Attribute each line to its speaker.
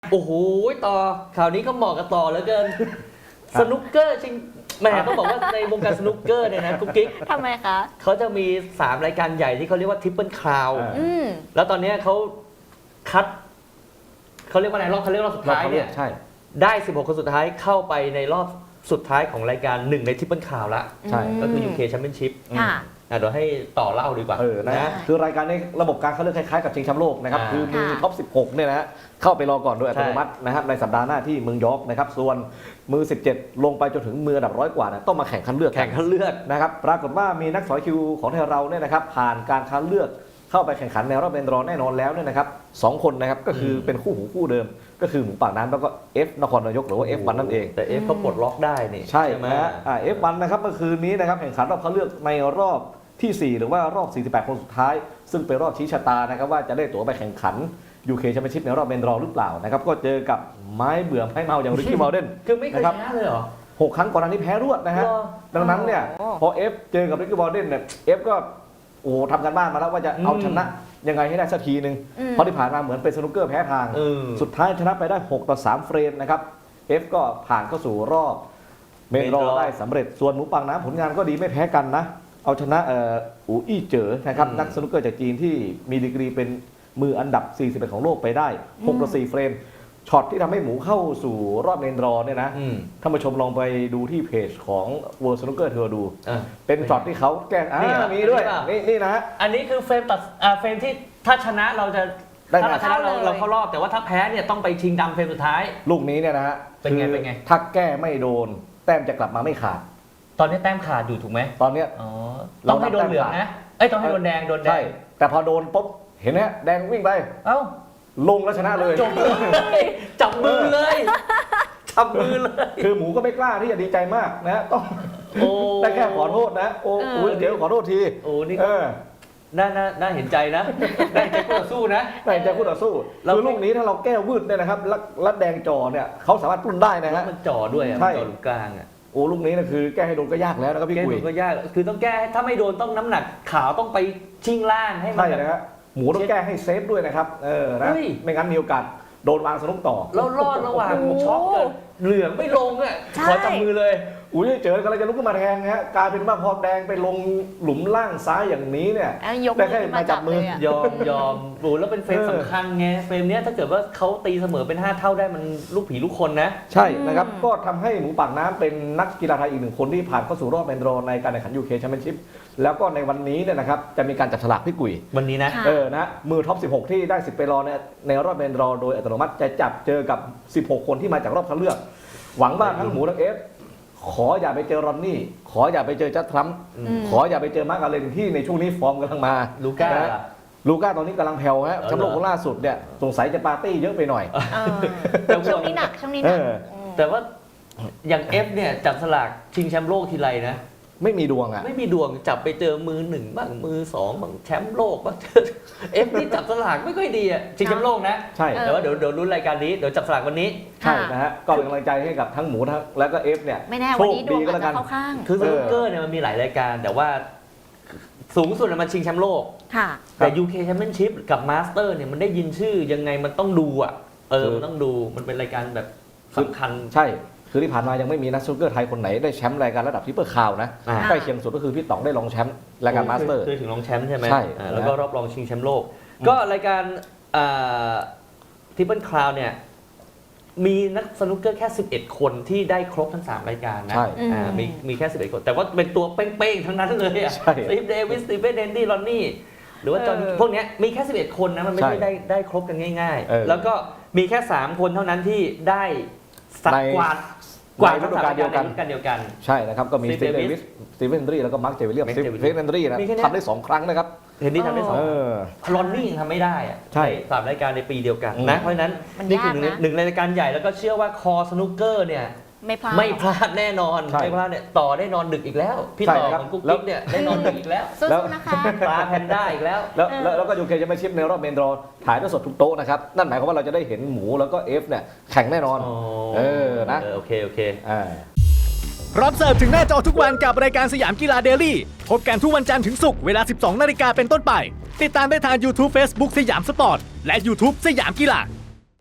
Speaker 1: โอ้โหต่อข่าวนี้ก็เหมาะกับต่อเหลือเกินสนุกเกอร์จริงแหมต้องบอกว่าในวงการสนุกเกอร์เนี่ยนะกุ๊กกิ๊ก
Speaker 2: ทำไมคะ
Speaker 1: เขาจะมี3รายการใหญ่ที่เขาเรียกว่าทริปเปิลคราว แล้วตอนนี้เขาคัดเขาเรียกว่าอะไรรอบเขาเรียกรอบสุดท้ายเนี่ย
Speaker 3: ใช่
Speaker 1: ได้16คนสุดท้ายเข้าไปในรอบสุดท้ายของรายการ1ในทริปเปิลคราวละ
Speaker 3: ใช่
Speaker 1: ก็คือ UK Championship
Speaker 2: ค่ะ
Speaker 1: เดี๋ยวให้ต่อเล่าดีกว่า
Speaker 3: นะฮะคือรายการนี้ระบบการคัดเลือกคล้ายๆกับชิงแชมป์โลกนะครับ คือมือท็อป 16 เนี่ยนะฮะเข้าไปรอก่อนโดยอัตโนมัตินะครับในสัปดาห์หน้าที่เมืองยอร์กนะครับส่วนมือ 17 ลงไปจนถึงมืออันดับ100 กว่านะต้องมาแข่งคัดเลือก
Speaker 1: แข่งคัดเลือก
Speaker 3: นะครับปรากฏว่ามีนักสอยคิวของไทยเราเนี่ยนะครับผ่านการคัดเลือกเข้าไปแข่งขันในรอบเป็นรองแน่นอนแล้วเนี่ยนะครับ2 คนนะครับก็คือเป็นคู่หูคู่เดิมก็คือหมูปากน้ำแล้วก็ F นครนายกหรือว่า F1 นั่นเอง
Speaker 1: แต่ F เขาปลดล็อกได้นี่
Speaker 3: ใช่
Speaker 1: ไหม
Speaker 3: นะฮะF1 นะครับเมื่อคืนนี้นะครับแข่งขันรอบคัดเลือกในรอบที่ 4 หรือว่ารอบ 48 คนสุดท้าย ซึ่งเป็นรอบชี้ชะตานะครับว่าจะได้ตั๋วไปแข่งขัน UK แชมเปี้ยนชิพในรอบเมนรอหรือเปล่านะครับก็เจอกับไม้เบื่อไม้เมาอย่างริกกี้มาลเดน
Speaker 1: คือไม่เคยชนะเลยเหรอ
Speaker 3: 6 ครั้งก่อนหน้านี้แพ้รวดนะฮะ
Speaker 1: เหรอ
Speaker 3: ดังนั้นเนี่ย
Speaker 2: อ๋อ
Speaker 3: พอ F เจอกับริกกี้มาลเดนเนี่ย F ก็โอ้ทำกันบ้านมาแล้วว่าจะเอาชนะยังไงให้ได้สักทีหนึ่งเพราะที่ผ่านมาเหมือนเป็นสนุกเกอร์แพ้ทาง สุดท้ายชนะไปได้6-3 เฟรมนะครับ F ก็ผ่านเข้าสู่รอบเมนรอได้สำเร็จส่วนหมูปากน้ำผลงานก็ดีไม่แพ้กันนะเอาชนะอูอี้เจ๋อนะครับนักสนุกเกอร์จากจีนที่มีดีกรีเป็นมืออันดับ 41 ของโลกไปได้6-4 เฟรมช็อตที่ทำให้หมูเข้าสู่รอบเมนรอเนี่ยนะท่านผู้ชมลองไปดูที่เพจของ World Snooker เธอดูเป็นช็อตที่เขาแกล้งมีด้วยนี่นะฮะ
Speaker 1: อันนี้คือเฟรมตัดเฟรมที่ถ้าชนะเราจะ
Speaker 3: ได้
Speaker 1: ถ้า
Speaker 3: ไง
Speaker 1: เราชนะเราเข้ารอบแต่ว่าถ้าแพ้เนี่ยต้องไปชิงดำเฟรมสุดท้าย
Speaker 3: ลูกนี้เนี่ยนะฮะ
Speaker 1: เป็นไง
Speaker 3: ถ้าแก้ไม่โดนแต้มจะกลับมาไม่ขาด
Speaker 1: ตอนนี้แต้มขาดอยู่ถูกไหม
Speaker 3: ตอนเนี้ย
Speaker 1: อ๋อต้องให้โดนเหลืองนะเอ้ยต้องให้โดนแดง
Speaker 3: ใช่แต่พอโดนปุ๊บเห็นไหมแดงวิ่งไป
Speaker 1: เอ้า
Speaker 3: ลงแล้วชนะเลย
Speaker 1: จบเลยจับมือเลยจับมือเลย
Speaker 3: คือหมูก็ไม่กล้าที่จะดีใจมากนะต้อง
Speaker 1: โอ้
Speaker 3: ได้แค่ขอโทษนะโอ้เดี๋ยวขอโทษที
Speaker 1: โอ้นี่น่าเห็นใจนะได้ใจคู่ต่อสู้นะ
Speaker 3: ได้ใจคู่ต่อสู้คือลูกนี้ถ้าเราแก้วืดเนี่ยนะครับแล้วแดงจอเนี่ยเขาสามารถปลุ้นได้นะ
Speaker 1: แล้
Speaker 3: ฮะ
Speaker 1: วมันจ่อด้วยอ่ะ
Speaker 3: ใช่
Speaker 1: จ่อตรงกลางอ่ะ
Speaker 3: โอ้ลูกนี้นะคือแก้ให้โดนก็ยากแล้วนะครับพี่
Speaker 1: แก้
Speaker 3: กุ
Speaker 1: โด
Speaker 3: ย
Speaker 1: นก็ยากคือต้องแก้ถ้าไม่โดนต้องน้ำหนักขาวต้องไปชิงล่างให้มัน
Speaker 3: ใช่
Speaker 1: แบบ
Speaker 3: นะฮะหมูต้องแก้ให้เซฟด้วยนะครับนะ
Speaker 1: เฮ้ย
Speaker 3: ไม่งั้นมีโอกาสโดนวางสนุกต่อ
Speaker 1: แล้วรอดระหว่างช็อกกันเหลืองไม่ลงอ่ะ
Speaker 2: ใช่
Speaker 1: ขอจับมือเลย
Speaker 3: อุ้ยเจอกำลังจะลุกขึ้นมาแทงนะฮะกลายเป็นว่าพอแดงไปลงหลุมล่างซ้ายอย่างนี้เนี่ย
Speaker 2: ยก
Speaker 3: ได้แค่มาจับมือ
Speaker 2: เลยะ
Speaker 1: ยอมโอ้แล้วเป็นเฟรมสำคัญไงเฟรมเนี้ยถ้าเกิดว่าเขาตีเสมอเป็น5เท่าได้มันลูกผีลูกคนนะ
Speaker 3: ใช่นะครับก็ทำให้หมูปากน้ำเป็นนักกีฬาไทยอีกหนึ่งคนที่ผ่านเข้าสู่รอบเป็นรองในการแข่งขัน UK Championship แล้วก็ในวันนี้เนี่ยนะครับจะมีการจับฉลากพี่กุย
Speaker 1: วันนี้นะ
Speaker 2: ค่ะ
Speaker 3: นะมือท็อป 16 ที่ได้สิทธิ์ไปรอในรอบเป็นรองโดยอัตโนมัติจะจับเจอกับ 16 คนที่มาจากรอบคัดเลือก หวังว่าทั้งหมูทั้งเอฟขออย่าไปเจอรอนนี่ขออย่าไปเจอจัดทรัมป์ขออย่าไปเจอมาร์กอาเลนที่ในช่วงนี้ฟอร์มกำลังมา
Speaker 1: ลูก้า
Speaker 3: นะฮะลูก้าตอนนี้กำลังแผ่วฮะแชมป์โลกคนล่าสุดเนี่ยสงสัยจะปาร์ตี้เยอะไปหน่อย
Speaker 2: ช่วงนี้หนักช่วงนี้หนัก
Speaker 1: แต่ว่าอย่างเอฟเนี่ยจับสลากชิงแชมป์โลกทีไรนะ
Speaker 3: ไม่มีดวงอ่ะ
Speaker 1: ไม่มีดวงจับไปเจอมือ1บ้างมือ2บ้างแชมป์โลกบ้าง เอฟนี่จับสลากไม่ค่อยดีอ่ะชิงแชมป์โลกนะ
Speaker 3: ใช่
Speaker 1: แต่ว่าเดี๋ยวลุ้นรายการนี้เดี๋ยวจับสลากวันนี้
Speaker 3: ใช่นะฮะก็เป็นกำลังใจให้กับทั้งหมูทั้งแล้วก็เอฟเนี่ย
Speaker 2: ไม่แน่
Speaker 3: โช
Speaker 2: วัน
Speaker 3: ค
Speaker 2: นี้ดว
Speaker 3: ดี
Speaker 2: ง
Speaker 3: ก็
Speaker 2: อาจ
Speaker 3: แล้วกั
Speaker 2: จะ
Speaker 3: น
Speaker 2: เข้าข้าง
Speaker 1: คือสนุกเกอร์เนี่ยมันมีหลายรายการ แต่ว่าสูงสุดมันชิงแชมป์โลก
Speaker 2: ค่ะ
Speaker 1: แต่ UK Championship กับ Master เนี่ยมันได้ยินชื่อยังไงมันต้องดูอ่ะมันต้องดูมันเป็นรายการแบบสำคัญ
Speaker 3: ใช่คือที่ผ่านมายังไม่มีนักสนุกเกอร์ไทยคนไหนได้แชมป์รายการระดับทริปเปิลคราวนะ
Speaker 1: อ่า
Speaker 3: ใกล้เคียงสุดก็คือพี่ต๋องได้รองแชมป์รายการมาสเตอร์
Speaker 1: คือถึงรองแชมป์ใช่ไหม
Speaker 3: ใช่
Speaker 1: แล้วก็รอบรองชิงแชมป์โลก ก็รายการทริปเปิลคราวเนี่ยมีนักสนุกเกอร์แค่11 คนที่ได้ครบทั้ง3รายการนะ
Speaker 3: ใช่
Speaker 1: มีแค่11 คน แต่ว่าเป็นตัวเป้งๆทั้งนั้นเลยอ่ะ
Speaker 3: ใช่
Speaker 1: สตีฟเดวิสสตีเฟนเดนดี้ลอนนี่หรือว่าจอห์นพวกเนี้ยมีแค่11 คนนะมันไม่ได้ได้ครบกันง่าย ๆ แล้วก็มีแค่3 คนเท่านั้นที่ได้สักกวาดทั้ง3รายการในฤดูกาลเดียวกัน
Speaker 3: ใช่นะครับก็มีส
Speaker 1: Steve
Speaker 3: ตีฟเดวิสสตีเฟนเดนรี่แล้วก็มาร์คเจวิลเลียม
Speaker 1: Mark
Speaker 3: สตี
Speaker 1: Jewell
Speaker 3: เฟนเดนรี่นะ
Speaker 1: มีแค่เนี้ย
Speaker 3: ทำได้2 ครั้งนะครับ
Speaker 1: เห็นที่ทำได้สอง ลอนนี่ยังทำไม่ได้อะ
Speaker 3: ใช่
Speaker 1: สามรายการในปีเดียวกันนะเพราะฉะนั้น
Speaker 2: มัน
Speaker 1: นี่คื
Speaker 2: ยากนะ
Speaker 1: หนึ่งในรายการใหญ่แล้วก็เชื่อว่าคอสนุกเกอร์เนี่ย
Speaker 2: ไม่พลาด
Speaker 1: ไม่พลาดแน่นอน
Speaker 3: ใช่
Speaker 1: ไม่พลาดเนี่ยต่อได้นอนดึกอีกแล้ว พี่
Speaker 3: ใช่
Speaker 1: ต่อ
Speaker 3: ครับ
Speaker 1: ของกุ๊ก
Speaker 3: แล้ว
Speaker 1: กิ๊กเนี่ยได้นอนดึกอีกแล้ว
Speaker 2: สู้ๆนะคะ
Speaker 1: ปลาแพนด้าอีกแล้ว
Speaker 3: แล้วก็ยูเคจะมาชิปในรอบเมนดรอถ่ายทอดสดทุกโต๊ะนะครับนั่นหมายความว่าเราจะได้เห็นหมูแล้วก็เอฟเนี่ยแข่งแน่นอน นะ
Speaker 1: โอเค
Speaker 4: พร้อมเสิร์ฟถึงหน้าจอทุกวันกับรายการสยามกีฬาเดลี่พบกันทุกวันจันทร์ถึงศุกร์เวลา 12 นาฬิกาเป็นต้นไป ติดตามได้ทาง YouTube Facebook สยามสปอร์ต และ YouTube สยามกีฬา